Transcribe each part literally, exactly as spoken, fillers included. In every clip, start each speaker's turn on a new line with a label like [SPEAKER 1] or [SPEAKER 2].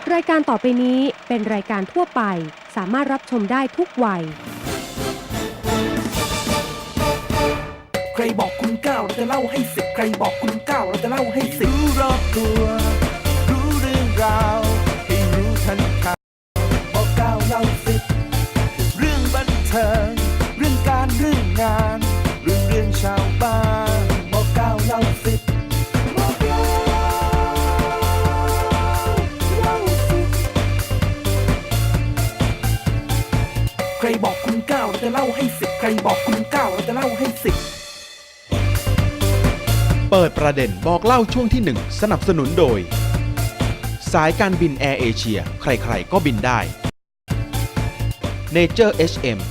[SPEAKER 1] รายการต่อไปนี้เป็นรายการทั่วไปสามารถรับชมได้ทุกวัย
[SPEAKER 2] ใครบอกคุณเก้าเราจะเล่าให้สิบใครบอกคุณเก้าเราจะเล่าให้สิบรู้รอบตัวรู้เรื่องราวให้รู้ทันข่าวบอกเก้าเล่าสิบเรื่องบันเทิงเรื่องการเรื่องงานเรื่องเรื่องชาวบ้านบอกเก้าเล่าสิบบอกเก้าเล่าสิบใครบอกคุณเก้าเราจะเล่าให้สิบใครบอกคุณเก้าเราจะเล่าให้สิบ
[SPEAKER 3] เปิดประเด็นบอกเล่าช่วงที่หนึ่งสนับสนุนโดยสายการบินแอร์เอเชียใครๆก็บินได้ Nature เอช เอ็ม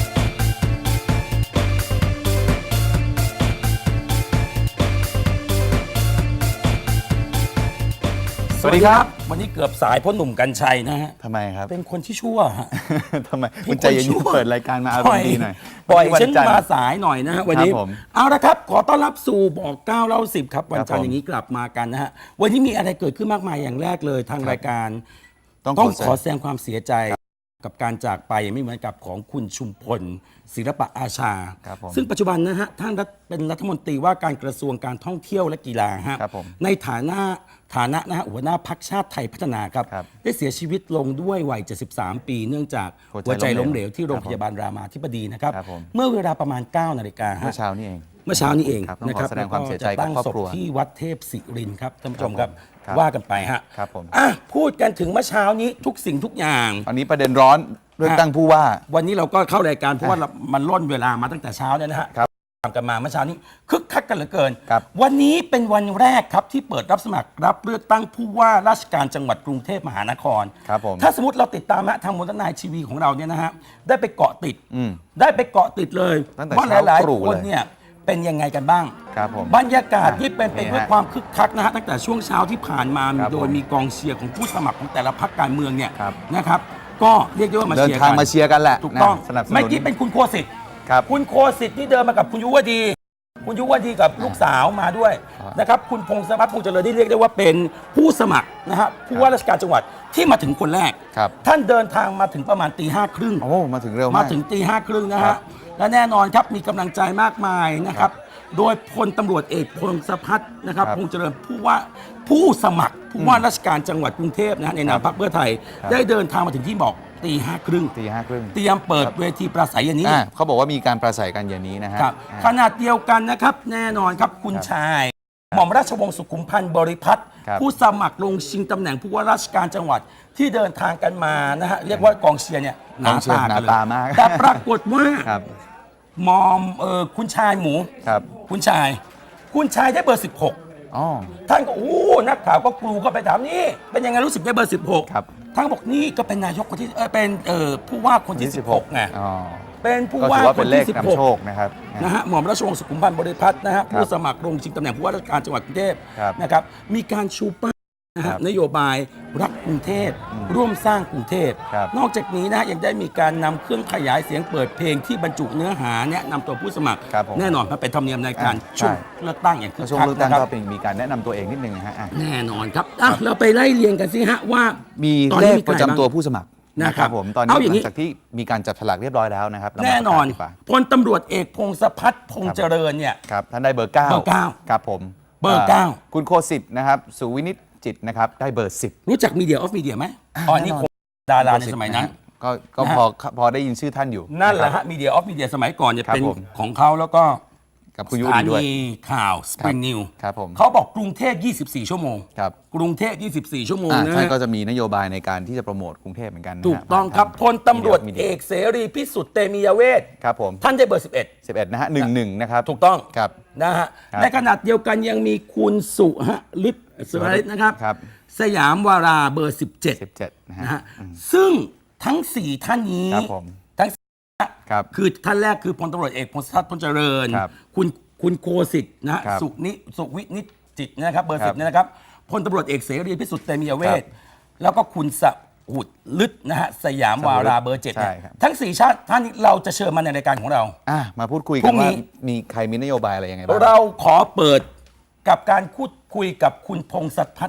[SPEAKER 4] สวัสดีครับวันนี้เกือบสายเพราะหนุ่มกัญชัยนะฮะ
[SPEAKER 5] ทำไมครับ
[SPEAKER 4] เป็นคนที่ชั่วฮะ
[SPEAKER 5] ทำไมคุณใจเย็นๆเปิดรายการมาอารมณ์ดีหน่อย
[SPEAKER 4] ปล่อย
[SPEAKER 5] วั
[SPEAKER 4] ฉัน
[SPEAKER 5] จัทร์
[SPEAKER 4] มาสายหน่อยนะฮะวันนี้
[SPEAKER 5] ครับผม
[SPEAKER 4] เอาละครับขอต้อนรับสู่บอกเก้าเล่าสิบครับวัน
[SPEAKER 5] ครับ
[SPEAKER 4] จันทร์
[SPEAKER 5] ผม
[SPEAKER 4] อย่างนี้กลับมากันนะฮะวันนี้มีอะไรเกิดขึ้นมากมายอย่างแรกเลยทางรายการ
[SPEAKER 5] ต้อง
[SPEAKER 4] ต้อง
[SPEAKER 5] ขอ
[SPEAKER 4] ขอแสดงความเสียใจกับการจากไปไม่เหมือนกับของคุณชุมพลศิลปะอาชา
[SPEAKER 5] ครับผม
[SPEAKER 4] ซึ่งปัจจุบันนะฮะท่านรัฐเป็นรัฐมนตรีว่าการกระทรวงการท่องเที่ยวและกีฬาฮะ
[SPEAKER 5] ครับผม
[SPEAKER 4] ในฐานะฐานะนะฮะหัวหน้าพรรคชาติไทยพัฒนาครับ
[SPEAKER 5] ครับ
[SPEAKER 4] ได้เสียชีวิตลงด้วยวัย เจ็ดสิบสาม ปี เนื่องจาก
[SPEAKER 5] หั
[SPEAKER 4] หัว
[SPEAKER 5] ว
[SPEAKER 4] ใจ
[SPEAKER 5] ใจล้
[SPEAKER 4] ล้ม
[SPEAKER 5] ม
[SPEAKER 4] เห
[SPEAKER 5] เห
[SPEAKER 4] ล
[SPEAKER 5] ล
[SPEAKER 4] ว
[SPEAKER 5] ว
[SPEAKER 4] ที่โรงพยาบาลรามาธิบดีนะครับ
[SPEAKER 5] ครับผม
[SPEAKER 4] เมื่อเวลาประมาณ เก้า นาฬิกา
[SPEAKER 5] เมื่
[SPEAKER 4] ฮะ
[SPEAKER 5] อเช้านี้เอง
[SPEAKER 4] เมื่อเช้านี้เอง
[SPEAKER 5] ครับต้อง
[SPEAKER 4] นะ
[SPEAKER 5] ขอแสดงความเสียใจกับ
[SPEAKER 4] แล้
[SPEAKER 5] ครอบ
[SPEAKER 4] ก็จะตั้งศ
[SPEAKER 5] ครัว
[SPEAKER 4] พที่วัดเทพศิรินทร์ครับท่านผู้ชมครับ
[SPEAKER 5] ครับ
[SPEAKER 4] ว่ากันไปฮะ
[SPEAKER 5] ครับผม
[SPEAKER 4] อ่ะพูดกันถึงเมื่อเช้านี้ทุกสิ่งทุกอย่าง
[SPEAKER 5] ตอนนี้ประเด็นร้อนเรื่องตั้งผู้ว่า
[SPEAKER 4] วันนี้เราก็เข้ารายการเพราะว่าเรามันล่นเวลามาตั้งแต่เช้าเนี่ยนะฮะ
[SPEAKER 5] ครับ
[SPEAKER 4] ตามกันมาเมื่อเช้านี้คึกคักกันเหลือเกิน
[SPEAKER 5] ครับ
[SPEAKER 4] วันนี้เป็นวันแรกครับที่เปิดรับสมัครรับเลือกตั้งผู้ว่าราชการจังหวัดกรุงเทพมหานคร
[SPEAKER 5] ครับผม
[SPEAKER 4] ถ้าสมมติเราติดตามฮะทางมนตนายทีวีของเราเนี่ยนะฮะได้ไปเกาะติด
[SPEAKER 5] อืม
[SPEAKER 4] ได้ไปเกาะติดเลย
[SPEAKER 5] ตั้งแต่
[SPEAKER 4] ว่า
[SPEAKER 5] เช้า
[SPEAKER 4] หลาย
[SPEAKER 5] ตรู่
[SPEAKER 4] ๆคน
[SPEAKER 5] เลย
[SPEAKER 4] เนี่ยเป็นยังไงกันบ้าง
[SPEAKER 5] ครับผม
[SPEAKER 4] บรรยากาศที่เป็นไป
[SPEAKER 5] นี่
[SPEAKER 4] ด้วย
[SPEAKER 5] ฮะ
[SPEAKER 4] ความคึกคักนะฮะตั้งแต่ช่วงเช้าที่ผ่านมา
[SPEAKER 5] ครับ
[SPEAKER 4] โดยมีกองเชียร์ของผู้สมัครของแต่ละพรรคการเมืองเนี่ย
[SPEAKER 5] ครับ
[SPEAKER 4] นะครับ ก็เรียกได้ว่ามา
[SPEAKER 5] เดิน
[SPEAKER 4] เชียร์
[SPEAKER 5] ทาง
[SPEAKER 4] กัน
[SPEAKER 5] มาเชียร์กันแหละ
[SPEAKER 4] ถูกต้อง
[SPEAKER 5] นะสนับสนุน
[SPEAKER 4] เมื่อกี้เป็นคุณโคสิทธิ์
[SPEAKER 5] ครับ
[SPEAKER 4] คุณโคสิทธิ์ที่เดินมากับคุณยุวดี คุณยุวดีกับลูกสาวมาด้วย
[SPEAKER 5] ครับ
[SPEAKER 4] นะครับคุณพงศพัฒน์พงษ์เจริญที่เรียกได้ว่าเป็นผู้สมัครนะฮะผู้ว่าราชการจังหวัดที่มาถึงคนแรก
[SPEAKER 5] ครับ
[SPEAKER 4] ท่านเดินทางมาถึงประมาณตีห้าครึ่ง
[SPEAKER 5] โอ้มาถึงเร็วมาม
[SPEAKER 4] าก ถึงตีห้าครึ่งนะ
[SPEAKER 5] ครั
[SPEAKER 4] ฮะ
[SPEAKER 5] บ
[SPEAKER 4] และแน่นอนครับมีกำลังใจมากมายนะครับ โดยพลตำรวจเอกพงศพัฒน์นะครับ
[SPEAKER 5] ครับ
[SPEAKER 4] พงษ์เจริญผู้ว่าผู้สมัครผู้ว่าราชการจังหวัดกรุงเทพนะฮะในนามพรรคเพื่อไทย
[SPEAKER 5] ครับ
[SPEAKER 4] ได้เดินทางมาถึงที่บอกตีห้าครึ่ง
[SPEAKER 5] ตีห้าครึ่ง
[SPEAKER 4] เตรียมเปิดเวทีปราศัยอย่างนี้
[SPEAKER 5] อ่าเขาบอกว่ามีการประสัยกันอย่างนี้นะฮะ
[SPEAKER 4] ครับ
[SPEAKER 5] อ่า
[SPEAKER 4] ขนาดเดียวกันนะครับแน่นอนครับคุณ
[SPEAKER 5] ครับ
[SPEAKER 4] ชายหม่อมราชวงศ์สุขุมพันธ์บริพัตร
[SPEAKER 5] ครับ
[SPEAKER 4] ผู้สมัครลงชิงตำแหน่งผู้ว่าราชการจังหวัดที่เดินทางกันมานะฮะเรียกว่ากองเชียร์เนี่ยห
[SPEAKER 5] กอ
[SPEAKER 4] นาง
[SPEAKER 5] เชียร์
[SPEAKER 4] ตา
[SPEAKER 5] หนา
[SPEAKER 4] กันเลย
[SPEAKER 5] ตามาก
[SPEAKER 4] แต่ปรากฏว่า
[SPEAKER 5] ครับ
[SPEAKER 4] มอมเออคุณชายหมู
[SPEAKER 5] ครับ
[SPEAKER 4] คุณชาย คุณชายได้เบอร์ สิบหก
[SPEAKER 5] อ๋อ
[SPEAKER 4] ท่านก็โอ้นักข่าวก็กรูเข้าไปถามนี่เป็นยังไงรู้สึกได้เบอร์ สิบหก
[SPEAKER 5] ครับ
[SPEAKER 4] ท่านก็บอกนี่ก็เป็นนายกคนที่เออเป็นเออผู้ว่าคนที่ สิบหกไง
[SPEAKER 5] อ๋อ
[SPEAKER 4] เป็นผู้
[SPEAKER 5] ก็
[SPEAKER 4] ว่า
[SPEAKER 5] ถือว่า
[SPEAKER 4] ค
[SPEAKER 5] เป็น
[SPEAKER 4] น
[SPEAKER 5] เล
[SPEAKER 4] ที่
[SPEAKER 5] ข
[SPEAKER 4] สิบ
[SPEAKER 5] นำ
[SPEAKER 4] หก
[SPEAKER 5] โชคนะครับ
[SPEAKER 4] นะฮะหม่อมราชวงศ์สุขุมพันธ์บริพัตรนะฮะผู้สมัครลงชิงตำแหน่งผู้ว่าราชการจังหวัดกรุงเทพ
[SPEAKER 5] ครับ
[SPEAKER 4] นะครับมีการชูป้ายนะ
[SPEAKER 5] ครั
[SPEAKER 4] ฮะ
[SPEAKER 5] บ
[SPEAKER 4] นโยบายรักกรุงเทพร่วมสร้างกรุงเทพ
[SPEAKER 5] ครับ
[SPEAKER 4] นอกจากนี้นะฮะยังได้มีการนำเครื่องขยายเสียงเปิดเพลงที่บรรจุเนื้อหาแนะนำตัวผู้สมัคร
[SPEAKER 5] ครับผม
[SPEAKER 4] แน่นอนมันเป็นธรรมเนียมในการ
[SPEAKER 5] อ่า
[SPEAKER 4] ช่วง
[SPEAKER 5] ใช่
[SPEAKER 4] เลือกตั้งอย่างคึก
[SPEAKER 5] ช่วง
[SPEAKER 4] คัก
[SPEAKER 5] เลือกตั้
[SPEAKER 4] นะ
[SPEAKER 5] ง
[SPEAKER 4] ครับ
[SPEAKER 5] ก็เป็นมีการแนะนำตัวเองนิดนึงนะฮะอ่ะ
[SPEAKER 4] แน่นอนครับอ่ะเราไปไล่เรียงกันสิฮะว่า
[SPEAKER 5] มี
[SPEAKER 4] ตอน
[SPEAKER 5] เล
[SPEAKER 4] นี้
[SPEAKER 5] ข
[SPEAKER 4] มีใคร
[SPEAKER 5] ประจำ
[SPEAKER 4] บ้าง
[SPEAKER 5] ตัวผู้สมัคร
[SPEAKER 4] นะครับ
[SPEAKER 5] ผมตอนนี้
[SPEAKER 4] เอาอ
[SPEAKER 5] ห
[SPEAKER 4] ย่าง
[SPEAKER 5] ลั
[SPEAKER 4] นี้
[SPEAKER 5] งจากที่มีการจับฉลากเรียบร้อยแล้วนะครับเรามา
[SPEAKER 4] แน่นอน
[SPEAKER 5] ประกาศดีกว่า
[SPEAKER 4] พลตำรวจเอกพงศพัฒน์พงษ์เจริญเนี่ย
[SPEAKER 5] ครับท่านได้เบอร์เก้า
[SPEAKER 4] เบอร์เก้า
[SPEAKER 5] ครับผม
[SPEAKER 4] เบอร์เก้า
[SPEAKER 5] คุณโคสิทธิ์นะครับสุวินิจจิตนะครับได้เบอร์สิบ
[SPEAKER 4] รู้จักมีเดียออฟมีเดียไหมอ๋อนี่คงดาราในสมัยนั้น
[SPEAKER 5] ก็ก็
[SPEAKER 4] นะฮะ
[SPEAKER 5] พอพอได้ยินชื่อท่านอยู่
[SPEAKER 4] นั่นแหละ
[SPEAKER 5] ครั
[SPEAKER 4] ฮะ
[SPEAKER 5] บ
[SPEAKER 4] มีเดียออฟมีเดียสมัยก่อนเนี่ย
[SPEAKER 5] ครับ
[SPEAKER 4] เป็น
[SPEAKER 5] ผม
[SPEAKER 4] ของเขาแล้วก็
[SPEAKER 5] กับคุณ
[SPEAKER 4] ส
[SPEAKER 5] ยุ
[SPEAKER 4] ถา
[SPEAKER 5] ดีด้วย
[SPEAKER 4] นีข่าวสปริงนิว
[SPEAKER 5] ครับผม
[SPEAKER 4] เขาบอกกรุงเทพยี่สิบสี่ชั่วโมง
[SPEAKER 5] ครับ
[SPEAKER 4] กรุงเทพยี่สิบสี่ชั่วโมง
[SPEAKER 5] อ่า
[SPEAKER 4] นะ
[SPEAKER 5] ท่าน
[SPEAKER 4] ฮะ
[SPEAKER 5] ก็จะมีนโยบายในการที่จะโปรโมทกรุงเทพเหมือนกันนะฮะ
[SPEAKER 4] ถูกต้องครับพลตำรวจ
[SPEAKER 5] มีดี
[SPEAKER 4] เอกเสรีพิสุทธิ์เตมียเวท
[SPEAKER 5] ครับผม
[SPEAKER 4] ท่านได้เบอร์สิบเอ็ด
[SPEAKER 5] สิบเอ็ดนะฮะหนึ่งหนึ่งนะครับ
[SPEAKER 4] ถูกต้อง
[SPEAKER 5] ครับ
[SPEAKER 4] นะฮะ
[SPEAKER 5] ครับ
[SPEAKER 4] ในขณะเดียวกันยังมีคุณสุฮะฤทธิ์สุรฤทธิ์นะครับ
[SPEAKER 5] ครับ
[SPEAKER 4] สยามวาราเบอร์สิบเจ็ด
[SPEAKER 5] สิบเจ็ดนะฮะ
[SPEAKER 4] นะฮะซึ่งทั้งสี่ท่านนี้
[SPEAKER 5] ครับผม
[SPEAKER 4] ทั้งสี่
[SPEAKER 5] ครับ
[SPEAKER 4] คือท่านแรกคือพลตำรวจเอกพงศธรพลเจริญ
[SPEAKER 5] ครับ
[SPEAKER 4] คุณคุณโคสิทธิ์นะฮะ
[SPEAKER 5] ครับ
[SPEAKER 4] สุนิสุวินิจจิตนะครับเบอร์
[SPEAKER 5] ครั
[SPEAKER 4] สิ
[SPEAKER 5] บบ
[SPEAKER 4] เนี่ยนะครับพลตำรวจเอกเสรีพิสุทธิ์เตมียเวท
[SPEAKER 5] ครับ
[SPEAKER 4] แล้วก็คุณสหุดลึกนะฮะสยามวาราเบอร์เจ็ด
[SPEAKER 5] ใช่
[SPEAKER 4] เนี่ย
[SPEAKER 5] ครับ
[SPEAKER 4] ทั้งสี่ชาติท่านนี้เราจะเชิญมาในรายการของเรา
[SPEAKER 5] อ่ะมาพูดคุย
[SPEAKER 4] พ
[SPEAKER 5] กั
[SPEAKER 4] รุ่
[SPEAKER 5] น
[SPEAKER 4] งนี้
[SPEAKER 5] ว่ามีใครมีนโยบายอะไรยังไงบ้าง
[SPEAKER 4] เราขอเปิดกับการพูดคุยกับคุณพงศพัฒน์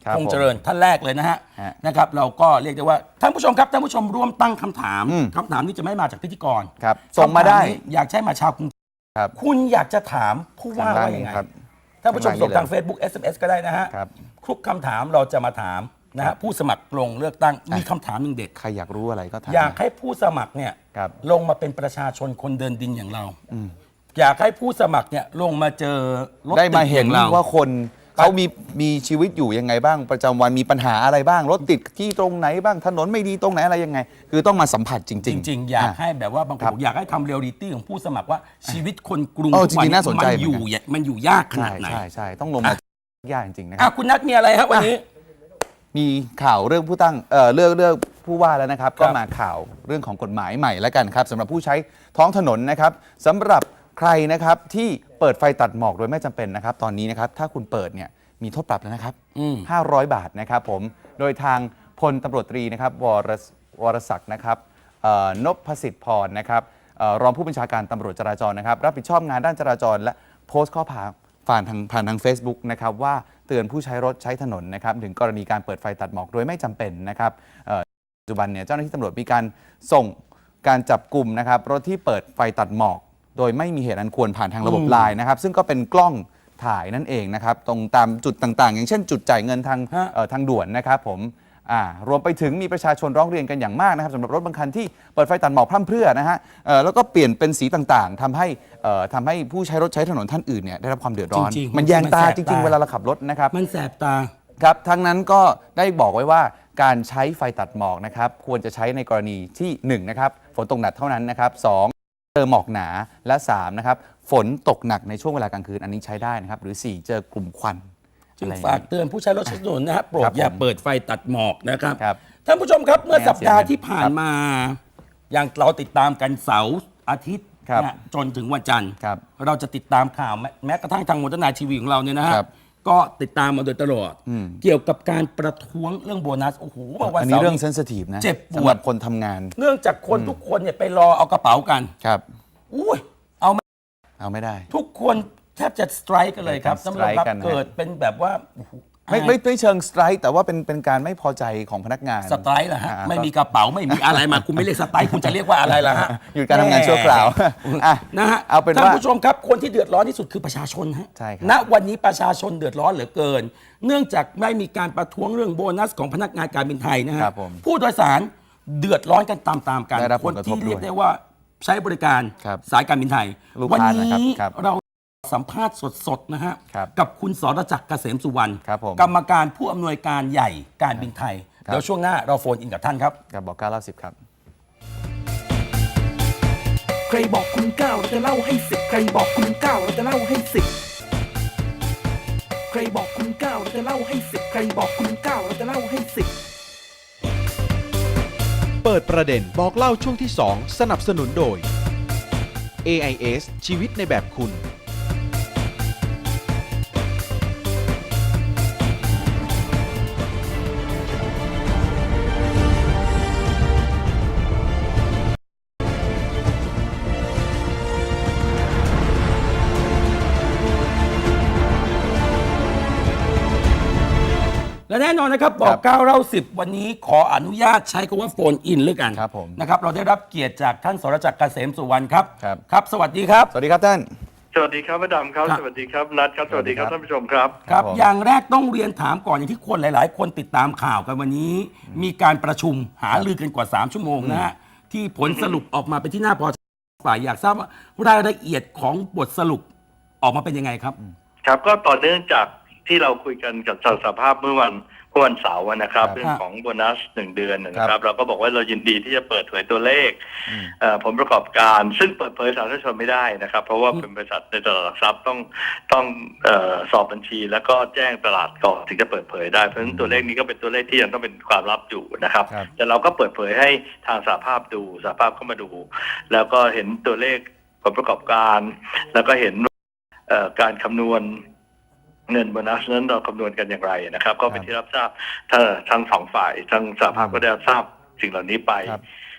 [SPEAKER 5] ครับ
[SPEAKER 4] คงเจริญท่านแรกเลยนะฮะ
[SPEAKER 5] ฮะ
[SPEAKER 4] นะครับเราก็เรียกได้ว่าท่านผู้ชมครับท่านผู้ชมร่วมตั้งคำถาม
[SPEAKER 5] อืม
[SPEAKER 4] คำถามนี้จะไม่มาจากพิธีกร
[SPEAKER 5] ครับส่งมาได้
[SPEAKER 4] คำถนี้อยากใช้มาชาวกรุง
[SPEAKER 5] ครับ
[SPEAKER 4] คุณอยากจะถามผู้ว่า
[SPEAKER 5] ทางด้าน
[SPEAKER 4] ว่า
[SPEAKER 5] นี้
[SPEAKER 4] ยังไง
[SPEAKER 5] ครับ
[SPEAKER 4] ท่านผู้ชม
[SPEAKER 5] ทางด้านนี้
[SPEAKER 4] ส่งทาง
[SPEAKER 5] เลย
[SPEAKER 4] Facebook เอส เอ็ม เอส ก็ได้นะฮะ
[SPEAKER 5] ครับ
[SPEAKER 4] ทุกคำถามเราจะมาถามนะฮะผู้สมัครลงเลือกตั้งมีคำถามหนึ่งเด็ด
[SPEAKER 5] ใครอยากรู้อะไรก็ถาม
[SPEAKER 4] อยากให้ผู้สมัครเนี่ย
[SPEAKER 5] ครับ
[SPEAKER 4] ลงมาเป็นประชาชนคนเดินดินอย่างเรา
[SPEAKER 5] อืม
[SPEAKER 4] อยากให้ผู้สมัครเนี่ยลงมาเจอรถ
[SPEAKER 5] ได้มา
[SPEAKER 4] ติ
[SPEAKER 5] เห็น
[SPEAKER 4] อย่งร
[SPEAKER 5] ว่าคนเขามีมีชีวิตอยู่ยังไงบ้างประจำวันมีปัญหาอะไรบ้าง รถติดที่ตรงไหนบ้างถนนไม่ดีตรงไหนอะไรยังไง คือต้องมาสัมผัสจริง
[SPEAKER 4] จริง ๆ อยาก
[SPEAKER 5] ะ
[SPEAKER 4] ให้แบบว่าบางค
[SPEAKER 5] ครั
[SPEAKER 4] น
[SPEAKER 5] บ
[SPEAKER 4] อยากให้ทำเรียลลิตี้ของผู้สมัครว่าชีวิตคนกรุง
[SPEAKER 5] เออ
[SPEAKER 4] ทุกวั
[SPEAKER 5] จริงๆน่าสนใจ
[SPEAKER 4] มันอยู่
[SPEAKER 5] เหมือนกัน
[SPEAKER 4] มันอยู่ยากขนา
[SPEAKER 5] ใช่
[SPEAKER 4] ดไหน
[SPEAKER 5] ใช่ใช่ต้องลงมายากจริงๆนะค
[SPEAKER 4] อ่ะ
[SPEAKER 5] รับ
[SPEAKER 4] คุณนัทมีอะไรครับวันนี้
[SPEAKER 5] มีข่าวเรื่องผู้ตั้งเอ่อเรื่องเรื่องผู้ว่าแล้วนะครับ
[SPEAKER 4] ครั
[SPEAKER 5] ก็
[SPEAKER 4] บ
[SPEAKER 5] มาข่าวเรื่องของกฎหมายใหม่แล้วกันครับสำหรับผู้ใช้ท้องถนนนะครับสำหรับใครนะครับที่เปิดไฟตัดหมอกโดยไม่จำเป็นนะครับ ตอนนี้นะครับถ้าคุณเปิดเนี่ยมีโทษปรับแล้วนะครับ
[SPEAKER 4] อืม
[SPEAKER 5] ห้าร้อยบาทนะครับผมโดยทางพลตำรวจตรีนะครับวรสวรศักดิ์นะครับเอ่อนพสิทธิ์พรนะครับเอ่อรองผู้บัญชาการตำรวจจราจรนะครับรับผิดชอบงานด้านจราจร และโพสต์ข้อความผ่านทางผ่านทาง Facebook นะครับว่าเตือนผู้ใช้รถใช้ถนนนะครับถึงกรณีการเปิดไฟตัดหมอกโดยไม่จำเป็นนะครับเอ่อปัจจุบันเนี่ยเจ้าหน้าที่ตำรวจมีการส่งการจับกลุ่มนะครับรถที่เปิดไฟตัดหมอก โดยไม่มีเหตุอันควรผ่านทางระบบ
[SPEAKER 4] อืม
[SPEAKER 5] ไลน์นะครับซึ่งก็เป็นกล้องถ่ายนั่นเองนะครับตรงตามจุดต่างๆ อย่างเช่นจุดจ่ายเงินทาง
[SPEAKER 4] ฮะ
[SPEAKER 5] เอ่อทางด่วนนะครับผมอ่ารวมไปถึงมีประชาชนร้องเรียนกันอย่างมากนะครับสำหรับรถบางคันที่เปิดไฟตัดหมอกพร่ำเพรื่อนะฮะเอ่อแล้วก็เปลี่ยนเป็นสีต่างๆทำให้เอ่อทำให้ผู้ใช้รถใช้ถนนท่านอื่นเนี่ยได้รับความเดือดร้อน
[SPEAKER 4] จริงๆ
[SPEAKER 5] มันแยงตา
[SPEAKER 4] มันแสบ
[SPEAKER 5] จริง
[SPEAKER 4] ตา
[SPEAKER 5] ๆ เวลาเราขับรถนะครับ
[SPEAKER 4] มันแสบตา
[SPEAKER 5] ครับทั้งนั้นก็ได้บอกไว้ว่าการใช้ไฟตัดหมอกนะครับควรจะใช้ในกรณีที่หนึ่งนะครับฝนตกหนักเท่านั้นนะครับสองเจอหมอกหนาและสามนะครับฝนตกหนักในช่วงเวลากลางคืนอันนี้ใช้ได้นะครับหรือสี่เจอกลุ่มควัน
[SPEAKER 4] จึง
[SPEAKER 5] อะไรอย่
[SPEAKER 4] ฝาก
[SPEAKER 5] นี้
[SPEAKER 4] เตือนผู้ใช้รถใช้ถนนนะฮะโปร
[SPEAKER 5] ครั
[SPEAKER 4] ด
[SPEAKER 5] บ
[SPEAKER 4] อย่า
[SPEAKER 5] ผม
[SPEAKER 4] เปิดไฟตัดหมอกนะครับ
[SPEAKER 5] ครับ
[SPEAKER 4] ท่านผู้ชมครับเมื่อ
[SPEAKER 5] ไม่
[SPEAKER 4] สั
[SPEAKER 5] งั้
[SPEAKER 4] ป
[SPEAKER 5] น
[SPEAKER 4] ดาห์
[SPEAKER 5] เสียเงิน
[SPEAKER 4] ที่ผ่านมา อย่างเราติดตามกันเสาร์อาทิตย์
[SPEAKER 5] ครับ
[SPEAKER 4] นะจนถึงวันจันทร์
[SPEAKER 5] ครับ
[SPEAKER 4] เราจะติดตามข่าวแม้แม้กระทั่งทางมนตนาทีวีของเราเนี่ยนะฮะ
[SPEAKER 5] ครับ
[SPEAKER 4] ก็ติดตามมาโดยตลอด
[SPEAKER 5] อืม
[SPEAKER 4] เกี่ยวกับการประท้วงเรื่องโบนัสโอ้โหเมื่อวัน
[SPEAKER 5] อันนี้
[SPEAKER 4] เสาร์
[SPEAKER 5] เรื่อง
[SPEAKER 4] นี้
[SPEAKER 5] เซนซิทีฟนะ
[SPEAKER 4] เจ็บปวด
[SPEAKER 5] สำหรับคนทำงาน
[SPEAKER 4] เนื่องจากคนทุกคนเนี่ยไปรอเอากระเป๋ากัน
[SPEAKER 5] ครับ
[SPEAKER 4] อุ้ยเอาไม่
[SPEAKER 5] เอาไม่ได้
[SPEAKER 4] ทุกคนแทบจะสไตรค์กันเลยครับ
[SPEAKER 5] เป็น
[SPEAKER 4] สำหรับ
[SPEAKER 5] strike กันนะ
[SPEAKER 4] เกิดเป็นแบบว่าโอ้โห
[SPEAKER 5] ไม่ไม่ไม่เชิงสไตร์แต่ว่าเป็นเป็นการไม่พอใจของพนักงาน
[SPEAKER 4] สไตรค์เหรอฮะ
[SPEAKER 5] อ่า
[SPEAKER 4] ไม่มีกระเป๋าไม่มีอะไรมา คุณไม่เรียกสไตรค์คุณจะเรียกว่าอะไรล่ะฮะ
[SPEAKER 5] หยุดการทำงานชั่วคราวอ่ะ
[SPEAKER 4] นะฮะ
[SPEAKER 5] เอาเป็น
[SPEAKER 4] ท่าน
[SPEAKER 5] ว่า
[SPEAKER 4] ผู้ชมครับคนที่เดือดร้อนที่สุดคือประชาชนฮะ
[SPEAKER 5] ใช่ครับ
[SPEAKER 4] ณวันนี้ประชาชนเดือดร้อนเหลือเกิน เนื่องจากไม่มีการประท้วงเรื่องโบนัสของพนักงานการบินไทยนะฮะ
[SPEAKER 5] ครับผม
[SPEAKER 4] ผู้โดยสารเดือดร้อนกันตามๆกัน
[SPEAKER 5] ได้รับ
[SPEAKER 4] ค
[SPEAKER 5] ผ
[SPEAKER 4] น
[SPEAKER 5] ลกระท
[SPEAKER 4] ที่
[SPEAKER 5] บ
[SPEAKER 4] เรียก
[SPEAKER 5] ด้วย
[SPEAKER 4] ได้ว่าใช้บริการ
[SPEAKER 5] ครับ
[SPEAKER 4] สายการบินไทย
[SPEAKER 5] ลูก
[SPEAKER 4] วั
[SPEAKER 5] ค้า
[SPEAKER 4] นี้
[SPEAKER 5] นะครับครับ
[SPEAKER 4] เราสัมภาษณ์สดๆนะฮะ
[SPEAKER 5] ครับ
[SPEAKER 4] กับคุณสรจักรเกษมสุวรรณ
[SPEAKER 5] ครับผม
[SPEAKER 4] กรรมการผู้อำนวยการใหญ่การบินไทย
[SPEAKER 5] ครับ
[SPEAKER 4] เดี๋ยวช่วงหน้าเราโฟนอินกับท่านครับ
[SPEAKER 5] กับบอกเก้าเล่าสิบครับ
[SPEAKER 2] ใครบอกคุณเก้าเราจะเล่าให้สิบใครบอกคุณเก้าเราจะเล่าให้สิบใครบอกคุณเก้าเราจะเล่าให้สิบใครบอกคุณเก้าเราจะเล่าให้สิบ
[SPEAKER 3] เปิดประเด็นบอกเล่าช่วงที่ สอง สนับสนุนโดย เอ ไอ เอส ชีวิตในแบบคุณ
[SPEAKER 4] และแน่นอนนะครับบอกเก้าเล่าสิบวันนี้ขออนุญาตใช้คำว่าโฟนอินเลยกัน
[SPEAKER 5] ครับผม
[SPEAKER 4] นะครับเราได้รับเกียรติจากท่านสรจักรเกษมสุวรรณครับ
[SPEAKER 5] ครับ
[SPEAKER 4] ครับ สวัสดีครับ
[SPEAKER 5] สวัสดีครับท่าน
[SPEAKER 6] สวัสดีครับพระดำครับ
[SPEAKER 4] ครับ
[SPEAKER 6] สวัสดีครับนัทครับสวัสดีครับ
[SPEAKER 5] สวัสดีครับ
[SPEAKER 6] ท่านผู้ชมครับ
[SPEAKER 4] ครับ
[SPEAKER 5] ผม
[SPEAKER 4] อย่างแรกต้องเรียนถามก่อนอย่างที่คนหลาย ๆ คนติดตามข่าวกันวันนี้ มีการประชุมหารือกันกว่า สาม ชั่วโมงนะฮะที่ผลสรุปออกมาเป็นที่น่าพอใจฝ่ายอยากทราบว่ารายละเอียดของบทสรุปออกมาเป็นยังไงครับ
[SPEAKER 6] ครับก็ต่อเนื่องจากที่เราคุยกันกับสสภาพเมื่อวันเมื่อวันเสาร์นะครับ
[SPEAKER 5] ครับ
[SPEAKER 6] เรื่องของโบนัสหนึ่งเดือนนะค
[SPEAKER 5] ครั
[SPEAKER 6] รับ
[SPEAKER 5] บ
[SPEAKER 6] เราก็บอกว่าเรายินดีที่จะเปิดเผยตัวเลข
[SPEAKER 5] อืม
[SPEAKER 6] เอ่อผลประกอบการ ซึ่งเปิดเผยสาธารณชนไม่ได้นะครับ เพราะว่าเป็นบริษัทในตลาดหลักทรัพย์ต้องต้องเอ่อสอบบัญชี แล้วก็แจ้งตลาดก่อนถึงจะเปิดเผยได้เพราะฉะนั้นตัวเลขนี้ก็เป็นตัวเลขที่ยังต้องเป็นความลับอยู่นะครับ
[SPEAKER 5] ครับ
[SPEAKER 6] แต่เราก็เปิดเผยให้ทางสหภาพดูสหภาพเข้ามาดู แล้วก็เห็นตัวเลขผลประกอบการ แล้วก็เห็นเอ่อการคำนวณเงินโบนัสนั้นเราคำนวณกันอย่างไรนะครับ ก็เป็นที่รับทราบทั้งทั้งสองฝ่ายทั้งสหภาพก็ได้รับทราบสิ่งเหล่านี้ไป
[SPEAKER 5] ครับ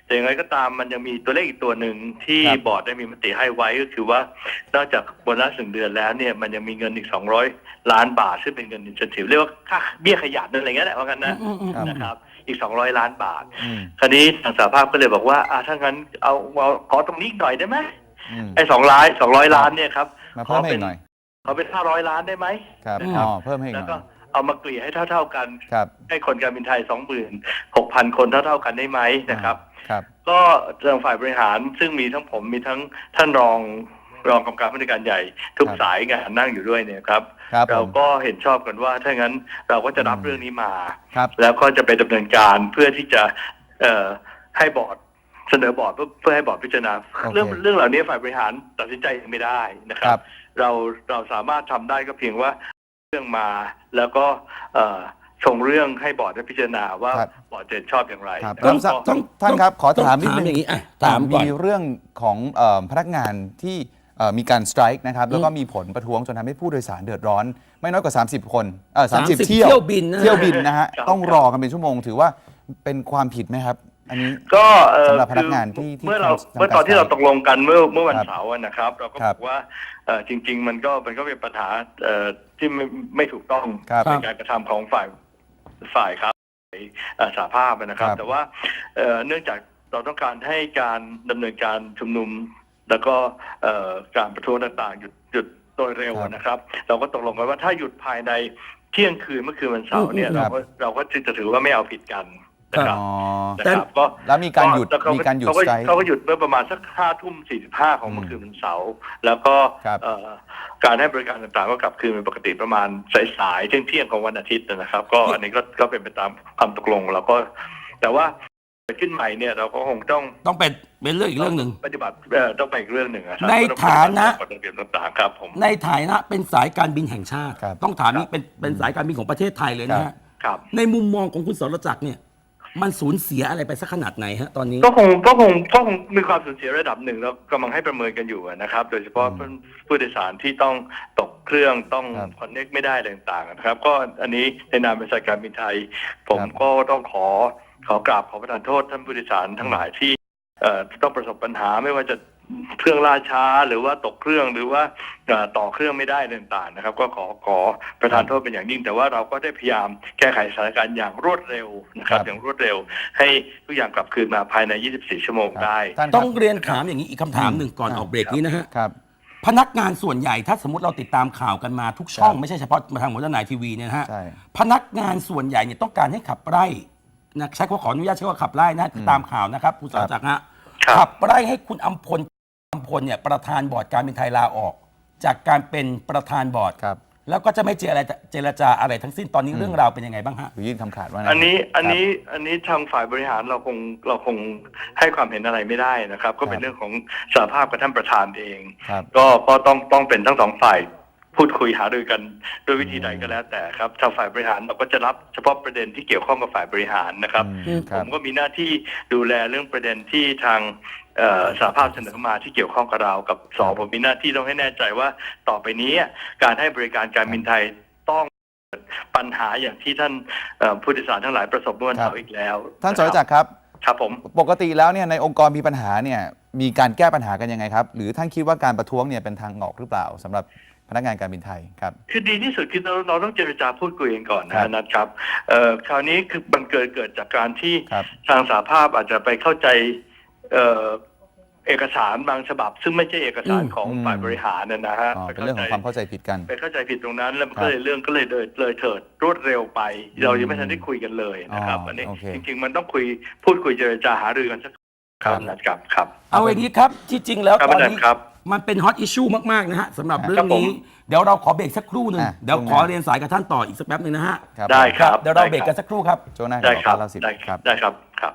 [SPEAKER 6] แต่อย่างไรก็ตามมันยังมีตัวเลขอีกตัวหนึ่งที่
[SPEAKER 5] ครับ
[SPEAKER 6] บอร์ดได้มีมติให้ไว้ก็คือว่านอกจากโบนัสหนึ่งเดือนแล้วเนี่ยมันยังมีเงินอีกสองร้อยล้านบาทซึ่งเป็นเงินอินเซนทีฟเรียกว่าค่าเบี้ยขยันอะไรเงี้ยแหละว่ากันนะ
[SPEAKER 4] อืมอืมอืม
[SPEAKER 6] นะครับอีกสองร้อยล้านบาท
[SPEAKER 5] อืม
[SPEAKER 6] คราวนี้ทางสหภาพก็เลยบอกว่าอ่าถ้างั้นเอาเอาขอตรงนี้อีกหน่อยได้ไหม
[SPEAKER 5] อืม
[SPEAKER 6] ไอ้สองล้านสองร้อยล้านเนี่ยครับ
[SPEAKER 5] มาเพิ่มให้อีกหน่อย
[SPEAKER 6] ขอเป็นห้าร้อยล้านได้ไหม
[SPEAKER 5] ครับ
[SPEAKER 6] นะครับ
[SPEAKER 5] อ๋อเพิ่มให้อีกห
[SPEAKER 6] แล้ว
[SPEAKER 5] น่
[SPEAKER 6] ก็
[SPEAKER 5] อย
[SPEAKER 6] เอามาเกลี่ยให้เท่า ๆกัน
[SPEAKER 5] ครับ
[SPEAKER 6] ให้คนการบินไทยสองหมื่นหกพันคนเท่า ๆกันได้ไหมนะครับ
[SPEAKER 5] ครับ
[SPEAKER 6] ก็ทางฝ่ายบริหารซึ่งมีทั้งผมมีทั้งท่านรองรองกรรมการผู้จัดการใหญ่ ทุก
[SPEAKER 5] ครับ
[SPEAKER 6] สายงานนั่งอยู่ด้วยเนี่ยครับ
[SPEAKER 5] ครับ
[SPEAKER 6] เรา
[SPEAKER 5] ผม
[SPEAKER 6] ก็เห็นชอบกันว่าถ้างั้นเราก็จะรับ
[SPEAKER 5] อืม
[SPEAKER 6] เรื่องนี้มา
[SPEAKER 5] ครับ
[SPEAKER 6] แล้วก็จะไปดำเนินการเพื่อที่จะเอ่อให้บอร์ดเสนอบอร์ดเพื่อเพื่อให้บอร์ดพิจารณา
[SPEAKER 5] โอเค
[SPEAKER 6] เรื่องเรื่องเหล่านี้ฝ่ายบริหารตัดสินใจเองไม่ได้นะค
[SPEAKER 5] ค
[SPEAKER 6] รั
[SPEAKER 5] รับ บ
[SPEAKER 6] เราเราสามารถทำได้ก็เพียงว่าเรื่องมาแล้วก็เอ่อส่งเรื่องให้บอร์ดได้พิจารณาว่า
[SPEAKER 5] ครับ
[SPEAKER 6] บอร์ดจะชอบอย่างไร
[SPEAKER 5] ครับ
[SPEAKER 6] นะ
[SPEAKER 5] ต้อง
[SPEAKER 6] ก็
[SPEAKER 5] ต้องท่านครับขอ
[SPEAKER 4] ต้อง
[SPEAKER 5] ถามนิดนึง
[SPEAKER 4] อย่างนี้อ่ะถามก่อน
[SPEAKER 5] มีเรื่องของเอ่อพนักงานที่เอ่อมีการสไตรค์นะครับแล้วก็มีผลประท้วงจนทำให้ผู้โดยสารเดือดร้อน ไม่น้อยกว่า สามสิบ คนเออสามสิบ
[SPEAKER 4] 30
[SPEAKER 5] เที่ยว
[SPEAKER 4] เที่ยวบินนะฮะ
[SPEAKER 5] เที่ยวบินนะฮะ
[SPEAKER 6] ครับ
[SPEAKER 5] ต้องรอกันเป็นชั่วโมงถือว่าเป็นความผิดไหมครับ อันนี้
[SPEAKER 6] ก็เอ่อ
[SPEAKER 5] สำหรับพนักงาน
[SPEAKER 6] คือ
[SPEAKER 5] ที่ที่
[SPEAKER 6] เมื่อเรา
[SPEAKER 5] ทำ
[SPEAKER 6] เมื่อตอนที่เราตกลงกันเมื่อเมื่อวัน
[SPEAKER 5] ครับ
[SPEAKER 6] เสาร์อะนะครับ เราก็
[SPEAKER 5] ครับ บ
[SPEAKER 6] อกว่าเอ่อจริง ๆ มันก็มันก็เป็นปัญหาเอ่อที่ไม่ไม่ถูกต้อง
[SPEAKER 5] ครับ
[SPEAKER 6] ในการกระทำของฝ่ายฝ่ายครับเอ่อสหภาพนะครับ
[SPEAKER 5] ครับ
[SPEAKER 6] แต่ว่าเอ่อเนื่องจากเราต้องการให้การดำเนินการชุมนุม แล้วก็เอ่อการประท้วงต่างๆหยุดหยุดโดยเร็วนะครับ เราก็ตกลงกันว่าถ้าหยุดภายในเที่ยงคืนเมื่อคืนวันเสาร์เนี่ย
[SPEAKER 5] อืม
[SPEAKER 6] เราก็เราก็จะถือว่าไม่เอาผิดกันนะครับ
[SPEAKER 5] อ๋อ
[SPEAKER 6] นะครับก็
[SPEAKER 5] แล้วมีการหยุด
[SPEAKER 6] แล้วเข
[SPEAKER 5] มีการหยุด
[SPEAKER 6] เขาก็
[SPEAKER 5] สไตรค์
[SPEAKER 6] เขาก็หยุดเมื่อประมาณสักห้าทุ่มสี่สิบห้าของเมื่อคืนวันเสาร์แล้วก็
[SPEAKER 5] ครับ
[SPEAKER 6] เอ่อการให้บริการต่างๆก็กลับคืนเป็นปกติประมาณสายๆเที่ยงเที่ยงๆของวันอาทิตย์นะครับ ก็อันนี้ก็ก็เป็นไปตามความตกลงแล้วก็ แต่ว่าเกิดขึ้นใหม่เนี่ยเราก็คงต้อง
[SPEAKER 4] ต้องเป็นเป็นเรื่องอีกเรื่องหนึ่ง
[SPEAKER 6] ปฏิบัติเอ่อต้องไปอีกเรื่องหนึ่งอะครับ
[SPEAKER 4] ในฐานะ
[SPEAKER 6] กฎระเบียบต่างๆครับผม
[SPEAKER 4] ในฐานะเป็นสายการบินแห่งชาติ
[SPEAKER 5] ครับ
[SPEAKER 4] ต้องถามนี่เป็นเป็นสายการบินของประเทศไทยเลยนะฮะ
[SPEAKER 6] ครับ
[SPEAKER 4] ในมุมมองของคุณสรจักรเนี่ย มันสูญเสียอะไรไปสักขนาดไหนฮะตอนนี้
[SPEAKER 6] ก็คงก็คงก็คงมีความสูญเสียระดับหนึ่งแล้วกำลังให้ประเมินกันอยู่นะครับ โดยเฉพาะ
[SPEAKER 5] อืม
[SPEAKER 6] ผู้โดยสารที่ต้องตกเครื่องต้อง
[SPEAKER 5] ครับ
[SPEAKER 6] คอนเน็กไม่ได้อะไรต่างๆนะครับ ก็อันนี้ในนามบริษัทการบินไทย ผม
[SPEAKER 5] ครับ
[SPEAKER 6] ก็ต้องขอขอกราบขอประทานโทษท่านผู้โดยสารทั้งหลายที่เอ่อต้องประสบปัญหาไม่ว่าจะเครื่องล่าช้าหรือว่าตกเครื่องหรือว่าเอ่อต่อเครื่องไม่ได้อะไรต่างๆนะครับ ก็ขอขอประทานโทษเป็นอย่างยิ่ง แต่ว่าเราก็ได้พยายามแก้ไขสถานการณ์อย่างรวดเร็วนะครับ
[SPEAKER 5] ครับ
[SPEAKER 6] อย่างรวดเร็ว ให้ทุกอย่างกลับคืนมาภายใน ยี่สิบสี่ ชั่วโมงได้
[SPEAKER 5] ท่านค
[SPEAKER 4] ต้
[SPEAKER 5] รั
[SPEAKER 4] อบ งเรียนถามอย่างนี้อีกคำถามหนึ่งก่อน
[SPEAKER 5] ครับ
[SPEAKER 4] ออกเบรกนี้นะฮะ
[SPEAKER 5] ครับ
[SPEAKER 4] พนักงานส่วนใหญ่ถ้าสมมติเราติดตามข่าวกันมาทุกช่อง
[SPEAKER 5] ครับ
[SPEAKER 4] ไม่ใช่เฉพาะมาทางหัวหน้าทีวีเนี่ยนะฮะ
[SPEAKER 5] ใช่
[SPEAKER 4] พนักงานส่วนใหญ่เนี่ยต้องการให้ขับไล่นะใช้คำว่าขออนุญาตใช้คำว่าขับไล่นะคือตามข่าวนะครับคุณสรจักรฮะ
[SPEAKER 6] ครับ
[SPEAKER 4] ขับไล่ให้คุณอำพลอำพลเนี่ยประธานบอร์ดการบินไทยลาออก จากการเป็นประธานบอร์ด
[SPEAKER 5] ครับ
[SPEAKER 4] แล้วก็จะไม่เจรจาเจรจาอะไรทั้งสิ้นตอนนี้เรื่องราวเป็นยังไงบ้างฮะ
[SPEAKER 5] หรือยื่นคำขาดว่าไง
[SPEAKER 6] อันนี้อัน
[SPEAKER 5] ครับ
[SPEAKER 6] นี้อันนี้ทางฝ่ายบริหารเราคงเราคงให้ความเห็นอะไรไม่ได้นะครับ ก็เป็น
[SPEAKER 5] ครับ
[SPEAKER 6] เรื่องของสหภาพกับท่านประธานเอง
[SPEAKER 5] ครับ
[SPEAKER 6] ก็ก็ต้องต้องเป็นทั้งสองฝ่ายพูดคุยหารือกันด้วยวิธีใดก็แล้วแต่ครับทางฝ่ายบริหารเราก็จะรับเฉพาะประเด็นที่เกี่ยวข้องกับฝ่ายบริหารนะครับ
[SPEAKER 5] อืมค
[SPEAKER 6] ผ
[SPEAKER 5] รับ
[SPEAKER 6] มก็มีหน้าที่ดูแลเรื่องประเด็นที่ทางเอ่อสหภาพเสนอมาที่เกี่ยวข้องกับเรากับสองผมมีหน้าที่ต้องให้แน่ใจว่าต่อไปนี้การให้บริการการบินไทยต้องเกิดปัญหาอย่างที่ท่านเอ่อผู้โดยสารทั้งหลายประสบเมื่อวันเสาร์อีกแล้ว
[SPEAKER 5] ท่านสรจักรครับ
[SPEAKER 6] ครับผม
[SPEAKER 5] ปกติแล้วเนี่ยในองค์กรมีปัญหาเนี่ยมีการแก้ปัญหากันยังไงครับ หรือท่านคิดว่าการประท้วงเนี่ยเป็นทางออกหรือเปล่าสำหรับพนักงานการบินไทยครับ
[SPEAKER 6] คือดีที่สุดคือเราเราต้องเจรจาพูดคุยกันก่อน
[SPEAKER 5] ครั
[SPEAKER 6] นะ
[SPEAKER 5] บ
[SPEAKER 6] นะครับเอ่อคราวนี้คือมันเกิดเกิดจากการที่
[SPEAKER 5] ครับ
[SPEAKER 6] ทางสหภาพอาจจะไปเข้าใจเอ่อเอกสารบางฉบับ ซึ่งไม่ใช่เอกสาร
[SPEAKER 4] อืม
[SPEAKER 6] ของ
[SPEAKER 5] อืม
[SPEAKER 6] ฝ่ายบริหารนะนะฮะ
[SPEAKER 5] อ๋อ
[SPEAKER 6] ไป
[SPEAKER 5] เป็นเรื่องของความเข้าใจผิดกัน
[SPEAKER 6] ไปเข้าใจผิดตรงนั้นแล้วมัน
[SPEAKER 5] ครับ
[SPEAKER 6] ก็เลยเรื่องก็เลยเลยเลยเถิดรวดเร็วไป เรายังไม่ทันได้คุยกันเลยนะครับ
[SPEAKER 5] อ๋ออั
[SPEAKER 6] อันนี้
[SPEAKER 5] โอเค
[SPEAKER 6] จริง ๆ มันต้องคุยพูดคุยเจรจาหารือกันสักครั้งนะครับครับ
[SPEAKER 4] เอาอย่างนี้ครับที่จริงแล้ว
[SPEAKER 6] ครับ
[SPEAKER 4] ตอน
[SPEAKER 6] อาจารย์
[SPEAKER 4] นี้
[SPEAKER 6] ครับ
[SPEAKER 4] มันเป็นฮอตอิชชูมาก ๆ นะฮะสำหรับเรื่อ
[SPEAKER 6] ครั
[SPEAKER 4] ง
[SPEAKER 6] บผม
[SPEAKER 4] นี้ เดี๋ยวเราขอเบรกสักครู่หนึ่ง
[SPEAKER 5] อ่ะ
[SPEAKER 4] เดี๋ยว
[SPEAKER 5] ช่วงห
[SPEAKER 4] ข
[SPEAKER 5] น้า
[SPEAKER 4] อเรียนสายกับท่านต่ออีกสักแป๊บหนึ่งนะฮะ
[SPEAKER 5] ครับ
[SPEAKER 6] ได้ครับ
[SPEAKER 4] เดี๋ยวเราเบรกกันสักครู่ครับ
[SPEAKER 5] ช่วงหน้า
[SPEAKER 6] ได้ครับ
[SPEAKER 5] เล่าสิบ
[SPEAKER 6] ได้
[SPEAKER 5] ครับ
[SPEAKER 6] ได้ครับครับ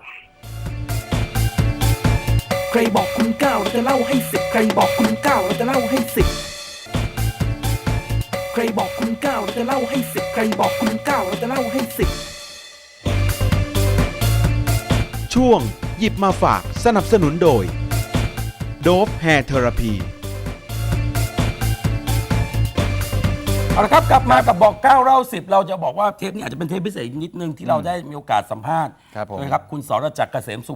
[SPEAKER 2] ใครบอกคุณเก้าเราจะเล่าให้สิบใครบอกคุณเก้าเราจะเล่าให้สิบใครบอกคุณเก้าเราจะเล่าให้สิบใครบอกคุณเก้าเราจะเล่าให้สิบ
[SPEAKER 3] ช่วงหยิบมาฝากสนับสนุนโดยโดฟแฮร์เทอราพี
[SPEAKER 4] เอาละครับกลับมากับบอกเก้าเล่าสิบเราจะบอกว่าเทปนี้อาจจะเป็นเทปพิเศษนิดนึงที่เราได้มีโอกาสสัมภาษณ์
[SPEAKER 5] ครับผม
[SPEAKER 4] นะครับคุณสรจักรเกษมสุ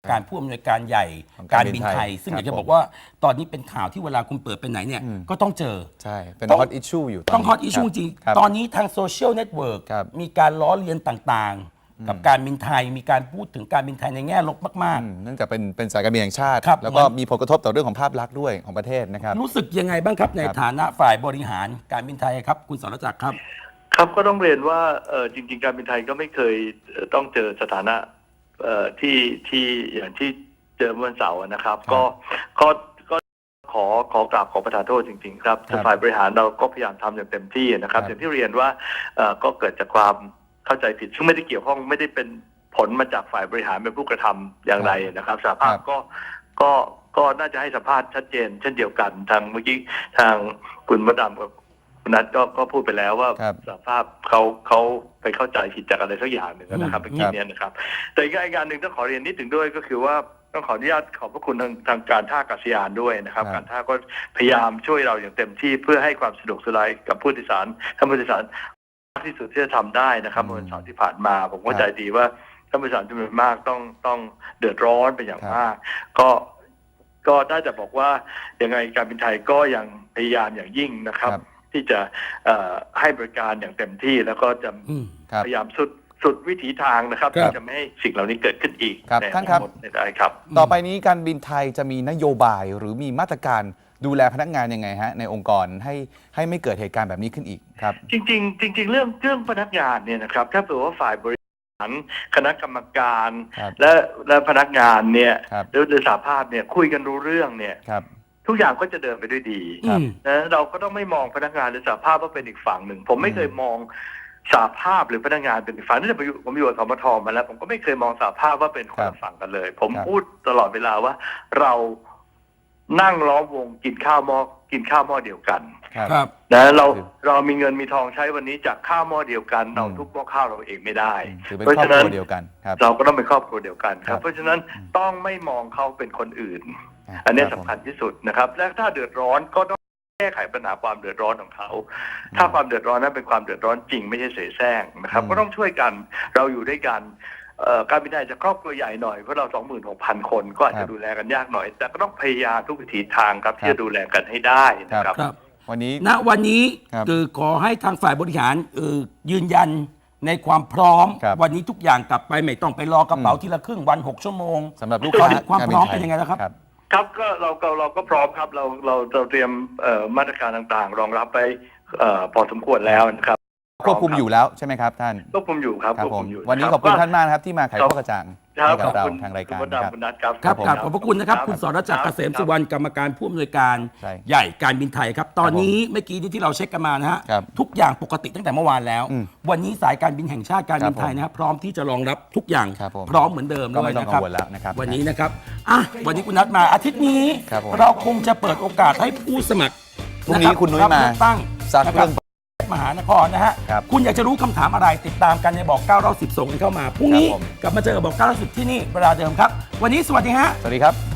[SPEAKER 4] การผู้อำนวยการใหญ่
[SPEAKER 5] ของ
[SPEAKER 4] กา
[SPEAKER 5] การ ร
[SPEAKER 4] บิ
[SPEAKER 5] บิ
[SPEAKER 4] น
[SPEAKER 5] น
[SPEAKER 4] ไท
[SPEAKER 5] ไท
[SPEAKER 4] ย
[SPEAKER 5] ย
[SPEAKER 4] ซึ่งอยาก
[SPEAKER 5] ครั
[SPEAKER 4] จะ
[SPEAKER 5] บ
[SPEAKER 4] บอกว่าตอนนี้เป็นข่าวที่เวลาคุณเปิดไปไหนเนี่ย
[SPEAKER 5] อืม
[SPEAKER 4] ก็ต้องเจอ
[SPEAKER 5] ใช่เป็น
[SPEAKER 4] ต้อง
[SPEAKER 5] ฮอตอิชชูอยู่ตอน
[SPEAKER 4] ต้อง
[SPEAKER 5] นี้
[SPEAKER 4] ฮอตอิชชู
[SPEAKER 5] คบ
[SPEAKER 4] จริง
[SPEAKER 5] ครับ
[SPEAKER 4] ตอนนี้ทางโซเชียลเน็ตเวิร์ก
[SPEAKER 5] ครับ
[SPEAKER 4] มีการล้อเลียนต่างๆ กับการบินไทย มีการพูดถึงการบินไทยในแง่ลบมาก
[SPEAKER 5] อืมเนื่องจากเป็นเป็นสายการบินแห่งชาติ
[SPEAKER 4] ครับ
[SPEAKER 5] แล้วก็
[SPEAKER 4] เหมือน
[SPEAKER 5] มีผลกระทบต่อเรื่องของภาพลักษณ์ด้วยของประเทศนะครับ
[SPEAKER 4] ๆ รู้สึกยังไงบ้างครับใน
[SPEAKER 5] ครับ
[SPEAKER 4] ฐานะฝ่ายบริหารการบินไทยครับ คุณสรจักรครับ
[SPEAKER 6] ครับก็ต้องเรียนว่าเออจริง ๆ การบินไทยก็ไม่เคยเอ่อต้องเจอสถานะเอ่อที่ที่อย่างที่เจอเมื่อวันเสาร์นะครับ
[SPEAKER 5] ครับ
[SPEAKER 6] ก็ก็ก็ขอขอกราบขอประทานโทษจริง ๆ ครับ
[SPEAKER 5] ครับ
[SPEAKER 6] ฝ่ายบริหารเราก็พยายามทำอย่างเต็มที่นะครับ
[SPEAKER 5] ครับ
[SPEAKER 6] อย่างที่เรียนว่าเอ่อก็เกิดจากความเข้าใจผิดซึ่งไม่ได้เกี่ยวข้องไม่ได้เป็นผลมาจากฝ่ายบริหารเป็นผู้กระทำอย่างไรนะครับสหภาพ
[SPEAKER 5] ครับ
[SPEAKER 6] ก็ก็ก็น่าจะให้สัมภาษณ์ชัดเจน เช่นเดียวกันทางเมื่อกี้ทางคุณมดดำกับคุณนัทก็ก็พูดไปแล้วว่า
[SPEAKER 5] ครับ
[SPEAKER 6] สภาพเขาเขาไปเข้าใจผิดจากอะไรสักอย่างหนึ่งนะครับ
[SPEAKER 4] อืม
[SPEAKER 6] เมื่อกี้เนี้นะครับ แต่อีกอีกการหนึ่งต้องขอเรียนนิดถึงด้วยก็คือว่าต้องขออนุญาตขอบพระคุณทางทางการท่าอากาศยานด้วยนะครับ
[SPEAKER 5] ครับ
[SPEAKER 6] การท่าก็พยายามช่วยเราอย่างเต็มที่เพื่อให้ความสะดวกสบายกับผู้โดยสารท่านผู้โดยสารมากที่สุดที่จะทำได้นะครับเมื่อวันเสาร์ที่ผ่านมาผมเข้าใจดีว่าท่านผู้โดยสารจำนวนมากต้องต้องเดือดร้อนเป็นอย่างมาก ก็ก็ได้แต่บอกว่ายังไงการบินไทยก็ยังพยายามอย่างยิ่งนะครับ
[SPEAKER 5] ครับ
[SPEAKER 6] ที่จะเอ่อให้บริการอย่างเต็มที่แล้วก็จะ
[SPEAKER 4] อืม
[SPEAKER 5] ครับ
[SPEAKER 6] พยายามสุดสุดวิถีทางนะครับ
[SPEAKER 4] ครับ
[SPEAKER 6] ที่จะไม่ให้สิ่งเหล่านี้เกิดขึ้นอีก
[SPEAKER 5] ครับ
[SPEAKER 6] ใน
[SPEAKER 5] ท่านครับ
[SPEAKER 6] อนาคตได้ครับ
[SPEAKER 5] ต่อไปนี้การบินไทยจะมีนโยบายหรือมีมาตรการดูแลพนักงานยังไงฮะในองค์กรให้ให้ไม่เกิดเหตุการณ์แบบนี้ขึ้นอีกครับ
[SPEAKER 6] จริงๆจริง ๆ เรื่องเรื่องพนักงานเนี่ยนะครับถ้าเผื่อว่าฝ่ายบริหารคณะกรรมการ
[SPEAKER 5] ครับ
[SPEAKER 6] และและพนักงานเนี่ย
[SPEAKER 5] ครับ
[SPEAKER 6] หรือหรือสหภาพเนี่ยคุยกันรู้เรื่องเนี่ย
[SPEAKER 5] ครับ
[SPEAKER 6] ทุกอย่างก็จะเดินไปด้วยดี
[SPEAKER 5] ครับ
[SPEAKER 4] อืม
[SPEAKER 6] นะเราก็ต้องไม่มองพนักงานหรือสหภาพว่าเป็นอีกฝั่งหนึ่ง ผมไม่เคยมองสหภาพหรือพนักงานเป็นอีกฝั่งนี่ผมอยู่ผมอยู่กับสมทมาแล้วผมก็ไม่เคยมองสหภาพว่าเป็นคนละฝั่งกันเลย ผม
[SPEAKER 5] ครับ
[SPEAKER 6] พูดตลอดเวลาว่าเรานั่งล้อมวงกินข้าวหม้อกินข้าวหม้อเดียวกัน
[SPEAKER 5] ครับ
[SPEAKER 4] ครับ
[SPEAKER 6] นะเราเรามีเงินมีทองใช้วันนี้จากข้าวหม้อเดียวกันเรา
[SPEAKER 5] อืม
[SPEAKER 6] ทุกหม้อข้าวเราเองไม่ได้
[SPEAKER 5] ถือเป็น
[SPEAKER 6] เพราะ
[SPEAKER 5] ครอบ
[SPEAKER 6] ฉะ
[SPEAKER 5] ค
[SPEAKER 6] นั้
[SPEAKER 5] รั
[SPEAKER 6] น
[SPEAKER 5] วเดียวกันครับ
[SPEAKER 6] เราก็ต้องเป็นครอบครัวเดียวกันค
[SPEAKER 5] ครั
[SPEAKER 6] รับ
[SPEAKER 5] บ
[SPEAKER 6] เพราะฉะนั้นต้องไม่มองเขาเป็นคนอื่น
[SPEAKER 5] ะ
[SPEAKER 6] อันนี้
[SPEAKER 5] รับ
[SPEAKER 6] สำคัญ
[SPEAKER 5] ผม
[SPEAKER 6] ที่สุดนะครับ และถ้าเดือดร้อนก็ต้องแก้ไขปัญหาความเดือดร้อนของเขา ถ้าความเดือดร้อนนั้นเป็นความเดือดร้อนจริงไม่ใช่เสแสร้งนะครับ
[SPEAKER 5] อืม
[SPEAKER 6] ก็ต้องช่วยกันเราอยู่ด้วยกันเอ่อการบินไทยจะครอบครัวใหญ่หน่อยเพราะเรา สองหมื่นหกพัน คนก็อาจจะดูแลกันยากหน่อย แต่ก็ต้องพยายามทุกวิถีทางครับที่จะดูแลกันให้ได้นะครับ
[SPEAKER 4] ครับ
[SPEAKER 5] วันนี้
[SPEAKER 4] ณวันนี้
[SPEAKER 5] ครับ
[SPEAKER 4] คือขอให้ทางฝ่ายบริหารเออยืนยันในความพร้อม
[SPEAKER 5] ครับ
[SPEAKER 4] วันนี้ทุกอย่างกลับไปไม่ต้องไปรอกระเป๋า
[SPEAKER 5] อืม
[SPEAKER 4] ทีละครึ่งวันหกชั่วโมง
[SPEAKER 5] สำหรับลูก
[SPEAKER 4] ตอ
[SPEAKER 5] ค้าน
[SPEAKER 4] นี้ความ
[SPEAKER 5] ก
[SPEAKER 4] พ
[SPEAKER 5] บิ
[SPEAKER 4] ร้อม
[SPEAKER 5] ไท
[SPEAKER 4] เป็นยังไงแล้วครับ
[SPEAKER 6] ครับก็เราเราเราก็พร้อมครับเราเราเราเตรียมเอ่อมาตรการต่างๆ รองรับไปเอ่อพอสมควรแล้วนะครับ
[SPEAKER 5] ควบคุมอยู่แล้วใช่ไหมครับท่าน
[SPEAKER 6] ควบคุมอยู่ครับ
[SPEAKER 5] ครับ
[SPEAKER 6] ควบ
[SPEAKER 5] ผ
[SPEAKER 6] คุ
[SPEAKER 5] ม
[SPEAKER 6] มอยู่
[SPEAKER 5] วันนี้
[SPEAKER 6] รั
[SPEAKER 5] ขอบคุณท่านมากนะครับที่มาไข
[SPEAKER 6] ครับ
[SPEAKER 5] ข้อกระจ่าง
[SPEAKER 6] ครับ
[SPEAKER 5] ให้กั
[SPEAKER 6] ข
[SPEAKER 5] บ
[SPEAKER 6] อบ
[SPEAKER 5] เรา
[SPEAKER 6] คุณ
[SPEAKER 5] ทางรายการ
[SPEAKER 6] คุณมด
[SPEAKER 5] นะครับ
[SPEAKER 6] ดำคุณนัทครับ
[SPEAKER 4] ครับ
[SPEAKER 5] ผม
[SPEAKER 4] กราบขอบพระคุณนะครับ
[SPEAKER 6] ครับ
[SPEAKER 4] คุณสรจักร
[SPEAKER 6] ค
[SPEAKER 4] เก
[SPEAKER 6] รับ
[SPEAKER 4] ษมสุวรรณกรรมการผู้อำนวยการ
[SPEAKER 5] ใช่
[SPEAKER 4] ใหญ่การบินไทยครับ ตอนนี้เมื่อกี้นี้ที่เราเช็คกันมานะฮะ
[SPEAKER 5] ครับ
[SPEAKER 4] ทุกอย่างปกติตั้งแต่เมื่อวานแล้ว
[SPEAKER 5] อืม
[SPEAKER 4] วันนี้สายการบินแห่งชาติการบินไทย
[SPEAKER 5] ครับผม
[SPEAKER 4] นะครับพร้อมที่จะรองรับทุกอย่าง
[SPEAKER 5] ครับผม
[SPEAKER 4] พร้อมเหมือนเดิม
[SPEAKER 5] ก็
[SPEAKER 4] เล
[SPEAKER 5] ไม่
[SPEAKER 4] ย
[SPEAKER 5] ต้อง
[SPEAKER 4] นะครับ
[SPEAKER 5] กังวลแล้วนะครับ
[SPEAKER 4] วันนี้นะครับอ่ะวันนี้คุณนัดมาอาทิตย์นี้
[SPEAKER 5] ครับผม
[SPEAKER 4] เราคงจะเปิดโอกาสให้ผู้สมัคร
[SPEAKER 5] พรุ่งนี้
[SPEAKER 4] ะรับ
[SPEAKER 5] คุณนุ้ยมา
[SPEAKER 4] รับเลือกตั้ง
[SPEAKER 5] ซัก
[SPEAKER 4] นะค
[SPEAKER 5] เรื่
[SPEAKER 4] รั
[SPEAKER 5] อบ ง
[SPEAKER 4] มหานครนะฮะ
[SPEAKER 5] ครับ
[SPEAKER 4] คุณอยากจะรู้คำถามอะไรติดตามกันในบอกเก้าเราสิบส่งกันเข้ามาพรุ่งนี้
[SPEAKER 5] ครับผม
[SPEAKER 4] กลับมาเจอกับบอกเก้าเราสิบที่นี่เวลาเดิมครับ วันนี้สวัสดีฮะ
[SPEAKER 5] สวัสดีครับ